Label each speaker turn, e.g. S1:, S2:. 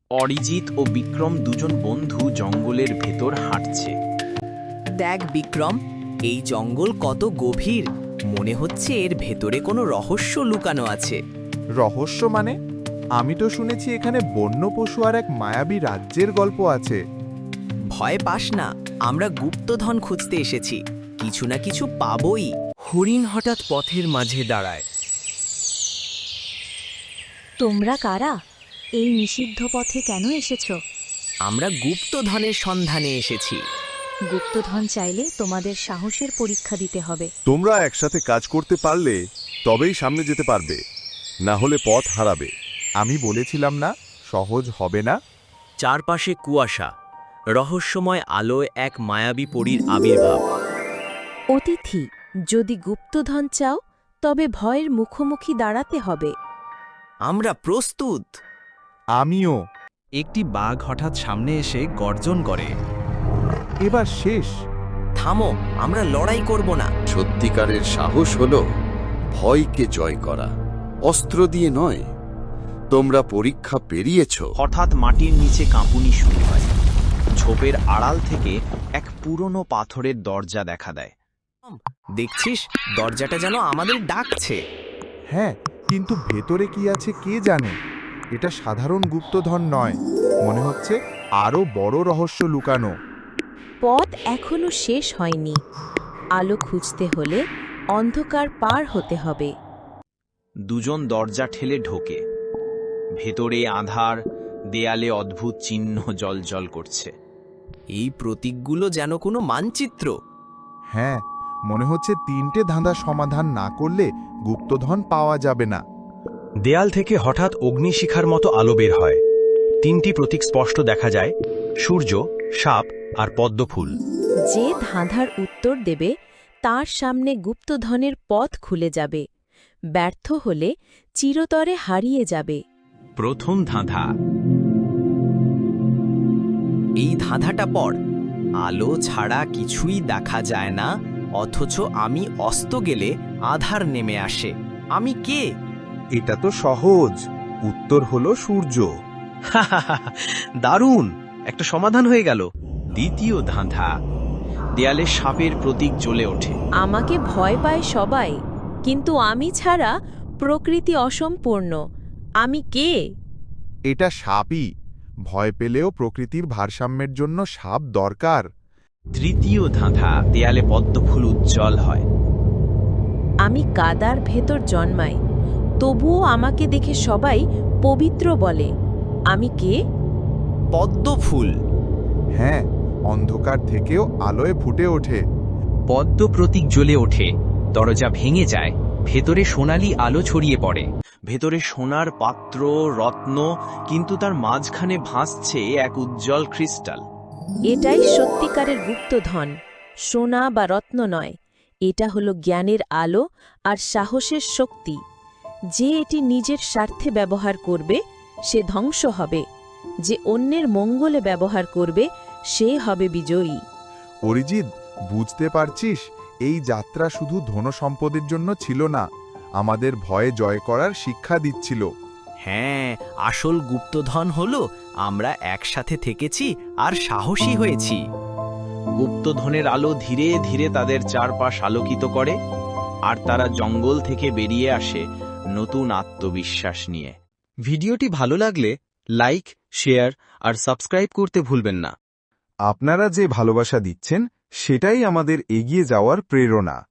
S1: অরিজিৎ ও বিক্রম দুজন বন্ধু জঙ্গলের ভেতর হাঁটছে।
S2: দেখ বিক্রম, এই জঙ্গল কত গভীর। মনে হচ্ছে এর ভেতরে কোনো রহস্য লুকানো আছে।
S3: রহস্য মানে? আমি তো শুনেছি এখানে বন্য পশু আর এক মায়াবী রাজ্যের গল্প আছে।
S2: ভয় পাস না, আমরা গুপ্তধন খুঁজতে এসেছি। কিছু না কিছু পাবই। হরিণ হঠাৎ পথের মাঝে দাঁড়ায়।
S4: তোমরা কারা? এই নিষিদ্ধ পথে কেন এসেছ?
S2: আমরা গুপ্তধনের সন্ধানে এসেছি।
S4: গুপ্তধন চাইলে তোমাদের সাহসের পরীক্ষা দিতে হবে।
S5: তোমরা একসাথে কাজ করতে পারলে তবেই সামনে যেতে পারবে, না হলে পথ হারাবে।
S3: আমি বলেছিলাম না সহজ হবে না।
S1: চারপাশে কুয়াশা, রহস্যময় আলোয় এক মায়াবী পরীর আবির্ভাব।
S4: অতিথি, যদি গুপ্তধন চাও তবে ভয়ের মুখোমুখি দাঁড়াতে হবে।
S2: আমরা প্রস্তুত।
S3: আমিও।
S6: একটি বাঘ হঠাৎ সামনে এসে গর্জন করে।
S3: এবার শেষ।
S2: থামো, আমরা লড়াই করব না।
S7: সত্যিকারের সাহস হলো ভয়কে জয় করা, অস্ত্র দিয়ে নয়। তোমরা পরীক্ষা পেরিয়েছ।
S1: হঠাৎ মাটির নিচে কাঁপুনি শুরু হয়। ঝোপের আড়াল থেকে এক পুরনো পাথরের দরজা দেখা দেয়।
S2: দেখছিস, দরজাটা যেন আমাদের ডাকছে।
S3: হ্যাঁ, কিন্তু ভেতরে কি আছে কে জানে। এটা সাধারণ গুপ্তধন নয়, মনে হচ্ছে আরো বড় রহস্য লুকানো।
S4: পথ এখনো শেষ হয়নি। আলো খুঁজতে হলে অন্ধকার পার হতে হবে।
S1: দুজন দরজা ঠেলে ঢোকে। ভেতরে আঁধার, দেয়ালে অদ্ভুত চিহ্ন জ্বলজ্বল করছে।
S2: এই প্রতীকগুলো যেন কোনো মানচিত্র।
S3: হ্যাঁ, মনে হচ্ছে 3টে ধাঁধা সমাধান না করলে গুপ্তধন পাওয়া যাবে না।
S8: দেয়াল থেকে হঠাৎ অগ্নিশিখার মতো আলো বের হয়। 3টি প্রতীক স্পষ্ট দেখা যায়: সূর্য, সাপ আর পদ্মফুল।
S4: যে ধাঁধার উত্তর দেবে তার সামনে গুপ্তধনের পথ খুলে যাবে। ব্যর্থ হলে চিরতরে হারিয়ে যাবে।
S1: প্রথম ধাঁধা।
S2: এই ধাঁধাটা পড়। আলো ছাড়া কিছুই দেখা যায় না, অথচ আমি অস্ত গেলে আধার নেমে আসে। আমি কে?
S3: এটা তো সহজ। উত্তর হলো সূর্য।
S8: দারুণ, একটা সমাধান হয়ে গেল।
S1: দ্বিতীয় ধাঁধা। দেয়ালে সাপের প্রতীক জ্বলে ওঠে।
S4: আমাকে ভয় পায় সবাই, কিন্তু আমি ছাড়া প্রকৃতি অসম্পূর্ণ। আমি কে?
S3: এটা সাপই। ভয় পেলেও প্রকৃতির ভারসাম্যের জন্য সাপ দরকার।
S1: তৃতীয় ধাঁধা। দেয়ালে পদ্মফুল উজ্জ্বল হয়।
S4: আমি কাদার ভেতর জন্মাই, তবুও আমাকে দেখে সবাই পবিত্র বলে। আমি কে?
S2: পদ্মফুল।
S3: হ্যাঁ, অন্ধকার থেকেও আলোয় ফুটে ওঠে।
S8: পদ্ম প্রতীক জ্বলে ওঠে। দরজা ভেঙে যায়। ভেতরে সোনালি আলো ছড়িয়ে পড়ে।
S1: ভেতরে সোনার পাত্র, রত্ন, কিন্তু তার মাঝখানে ভাসছে এক উজ্জ্বল ক্রিস্টাল।
S4: এটাই সত্যিকারের গুপ্তধন। সোনা বা রত্ন নয়, এটা হলো জ্ঞানের আলো আর সাহসের শক্তি। যে এটি নিজের স্বার্থে ব্যবহার করবে সে ধ্বংস হবে, যে অন্যের মঙ্গলে ব্যবহার করবে সে হবে বিজয়ী।
S3: অরিজিৎ, বুঝতে পারছিস, এই যাত্রা শুধু ধনসম্পদের জন্য ছিল না, আমাদের ভয়ে জয় করার শিক্ষা দিচ্ছিল।
S2: হ্যাঁ, আসল গুপ্তধন হলো আমরা একসাথে থেকেছি আর সাহসী হয়েছি।
S1: গুপ্তধনের আলো ধীরে ধীরে তাদের চারপাশ আলোকিত করে, আর তারা জঙ্গল থেকে বেরিয়ে আসে নতুন আত্মবিশ্বাস নিয়ে।
S8: ভিডিওটি ভালো লাগলে লাইক, শেয়ার আর সাবস্ক্রাইব করতে ভুলবেন না।
S3: আপনারা যে ভালোবাসা দিচ্ছেন সেটাই আমাদের এগিয়ে যাওয়ার প্রেরণা।